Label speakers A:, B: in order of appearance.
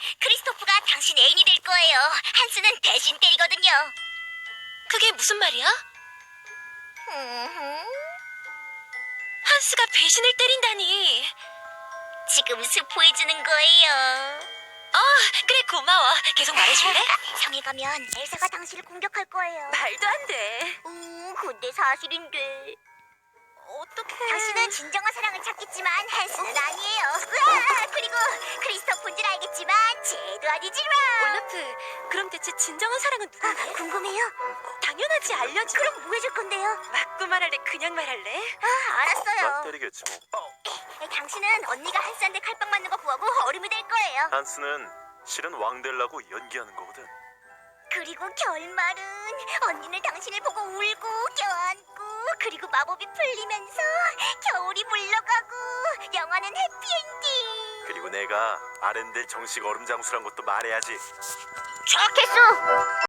A: 크리스토프가 당신 애인이 될 거예요. 한스는 대신 때리거든요.
B: 그게 무슨 말이야?
A: 흠흠.
B: 한스가 배신을 때린다니.
A: 지금 스포해주는 거예요.
B: 그래, 고마워. 계속 말해줄래?
A: 성에 가면 엘사가 당신을 공격할 거예요.
B: 말도 안 돼.
A: 근데 사실인데.
B: 어떡해.
A: 당신은 진정한 사랑을 찾겠지만 한스는 아니에요. 으아! 그리고 크리스토프인 줄 알겠지만 쟤도 아니지만.
B: 올라프, 그럼 대체 진정한 사랑은 누군데?
A: 궁금해요.
B: 당연하지, 알려줘.
A: 그럼 뭐 해줄 건데요?
B: 맞고 말할래, 그냥 말할래?
A: 알았어요.
C: 때리겠지 뭐.
A: 당신은 언니가 한스한테 칼빵 맞는 거 보고 얼음이 될 거예요.
C: 한스는 실은 왕 되려고 연기하는 거거든.
A: 그리고 결말은 언니는 당신을 보고 울고 껴안고 그리고 마법이 풀리면서 겨울이 물러가고 영화는 해피엔딩.
C: 그리고 내가 아렌델 정식 얼음 장수란 것도 말해야지.
A: 좋겠어.